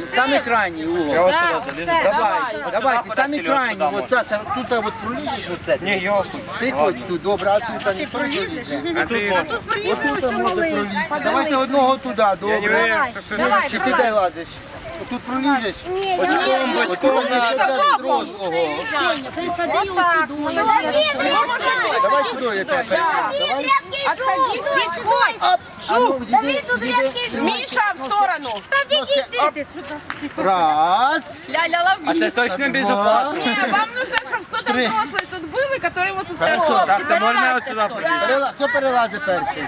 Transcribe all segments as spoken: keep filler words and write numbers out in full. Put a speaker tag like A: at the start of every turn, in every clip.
A: Самый крайний угол.
B: Я вот сюда залезу.
A: Давай,
B: Вот
A: давай,
B: сюда
A: ты самый
B: куда-то
A: крайний.
B: сюда
A: Вот,
B: можно.
A: Саша, тут вот пролезешь вот это.
B: Не, ёхуй.
A: Ти хочеш тут, добре, а тут не пролізеш.
B: А тут можно.
A: Ось тут можна пролізти. Давайте одного туди, добре.
C: Давай,
A: Чи ти де лазиш? Тут пролізеш?
B: Бочком, бочком надо.
A: Дорослого.
D: Присади його сюди.
A: Давай сюди, я тебе перейду. Давай.
C: Отходи, сходь.
A: Жук,
C: Миша, в сторону.
A: Раз.
B: А це точно безопасно?
C: Не, вам нужно, чтобы кто-то
A: Три.
C: взрослый тут был, и который вот тут
A: Хорошо.
C: стоял.
B: Так, то можна от сюди прийти?
A: Перела- Хто перелазить перший?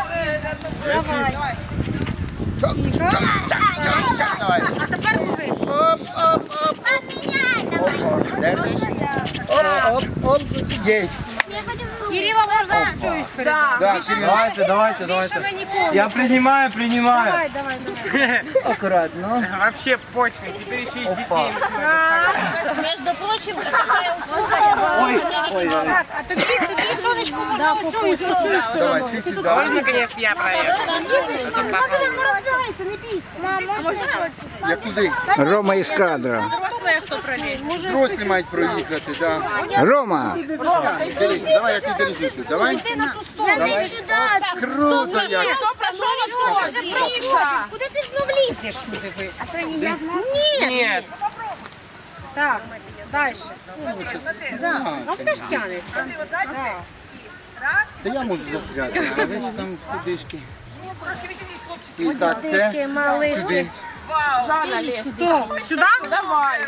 A: Давай.
D: А тепер лови.
A: Оп, оп, оп. Держиш? Оп, оп, оп. Єсть.
D: Кирила можна цю історію?
C: Да.
A: Да, Кирилл.
B: Давайте, давайте,
D: Більше ми
B: давайте.
D: нікому.
B: Я принимаю, принимаю.
D: Давай, давай, давай.
A: Акуратно.
E: Вообще почный, теперь еще и детей.
D: Между прочим, такая услуга.
B: Ой, ой, ой.
D: Так, а тобі, тобі, сонечко, можна оцю і цю сторону.
A: Давай, ти сюди.
E: Можно наконец я проеду?
D: Вона не розбирається, не бійся.
A: Я куди?
F: Рома із кадра.
A: Взрослі мають проїхати, да.
F: Рома!
A: Дивись, давай я тебе держу тут, давай.
D: Ти на ту сторону.
A: Давай. Круто як.
C: Кто прошел отсюда?
D: Вже проходив. Куди ти знов лізеш? А що, не я знаю? Ні.
E: Нет.
D: Так, далі.
A: Да.
D: Ну, теж тянеться. Так.
A: Це я можу застряти, а ви ж там кудишки. І так, це
D: Тишки, малишки.
A: сюди.
C: Жанна, лезь.
D: Хто? Сюди?
C: Давай.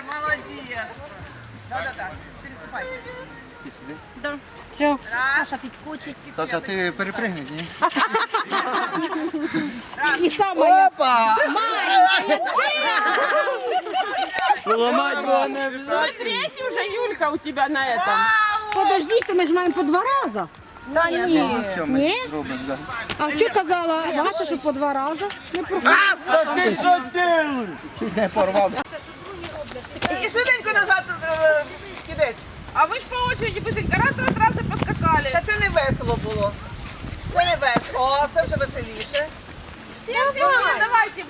A: Ти сюди.
D: Все.
G: Саша підскочить.
A: Саша, ти перепригнеш, ні?
D: І саме.
A: Опа!
B: Ломать было не обязательно.
C: Третий уже Юлька у тебя на этом.
D: Подожди, то ми ж маємо по два рази.
C: Да нет.
A: Все, ми
D: Ні?
A: зробимо, да.
D: А що казала Маша, що по два рази? Не проходить.
B: Да ты что делаешь?
A: Чуть не порвав.
C: И швиденько назад е, кидать. А ви ж по очереді быстренько раз, раз, раз і поскакали. Та це не весело було. Це не весело. О, це вже веселіше. Всі, всі, всі, давайте.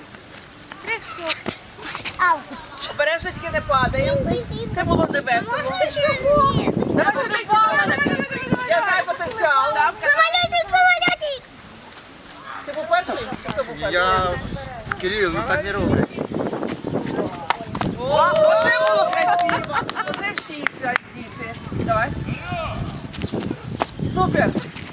C: Обережно тільки не падає. Це було не весело. Давай потенціал. Я знаю потенціал.
G: Самолетик, самолетик!
C: Ти був перший? Хто був перший?
A: Я... Кирил, ну так не роблять.
C: О, оце було красиво. Оце вчиться, діти. Давай. Супер.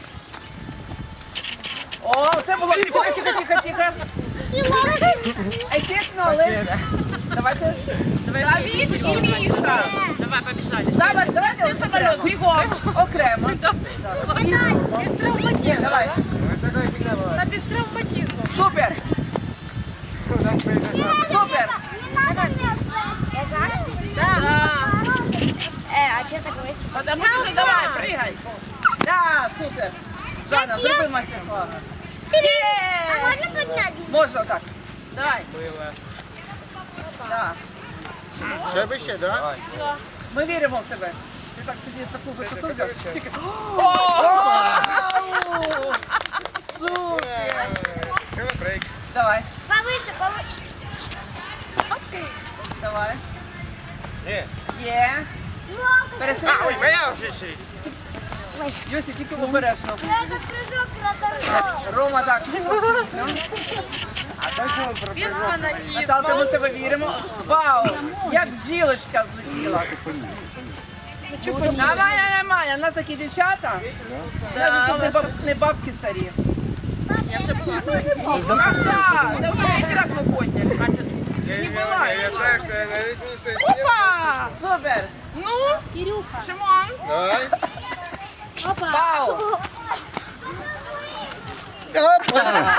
C: О, це було тихо, тихо, тихо, тихо. Ефектно, але... Давайте. Давид і Міша. Давай, побіжали. Давай, давайте один самоліт, бігом. Окремо. Без травматизму. Давай. На без травматизму. Супер. Супер.
G: Е, а чого так весело?
C: Потому что давай, прыгай. Да, супер. Жанна, зроби мастер-класс.
G: А можна підняти?
C: Можно так. Давай. Да.
A: Ще вище, да?
C: Ми віримо в тебе. Ти так собі таку висоту взяв. Тільки- Вау! Супер. Давай,
G: Повише, повише.
C: давай.
B: Є.
C: Є. Перестрибуй.
E: Моя уже шесть.
C: Йосі, тільки обережно.
G: Треба прыжок на
C: Рома, так. Наталка, ми в тебе віримо. Вау! Як бджілочка злетіла. Давай, нормально, у нас такі дівчата. Навіть тут не, баб, не бабки старі. Я вже була. Маша, давай, один раз ми подняли.
E: Не была. Я знаю, что я на весь не стою.
C: Опа! Супер! Ну,
G: Кирюха.
C: Шимон.
A: Давай.
C: Вау!
A: Опа!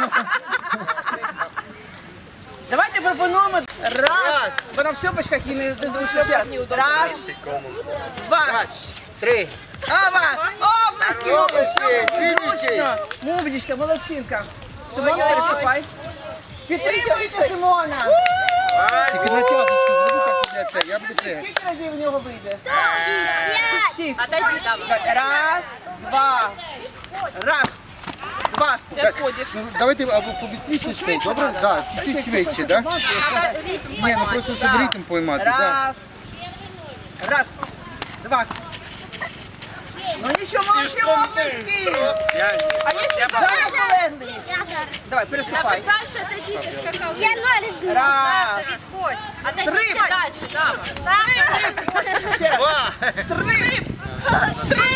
C: Давайте пропонуємо раз. Бо на все бачках і не зручно. Раз, два.
A: Раз, три.
C: Ава! Оплески!
A: Обласки, слідуючий.
C: Мовничка, молодчинка. Шимон, переступай. Підтримуйте Шимона.
A: Тільки на тягничку зроби так, щоб я це, я буду пригати.
C: Скільки разів в нього вийде?
G: Шістдесят.
C: Шість. Раз, два, раз. Два. Ти відходиш.
A: Ну, давайте або побістріше цей, добре? Так, чуть-чуть швидше, так? Ні, ну просто щоб ритм поймати, так.
C: Раз. Раз. Два. Ну нічого, молодці, обласки. А є давай, полезли. Давай, переступай.
D: Дальше отойдите, скакал.
G: Я ноль знаю.
C: Раз.
D: Відходь.
C: Три.
D: Дальше, Дава.
C: Ще раз. Три. Три.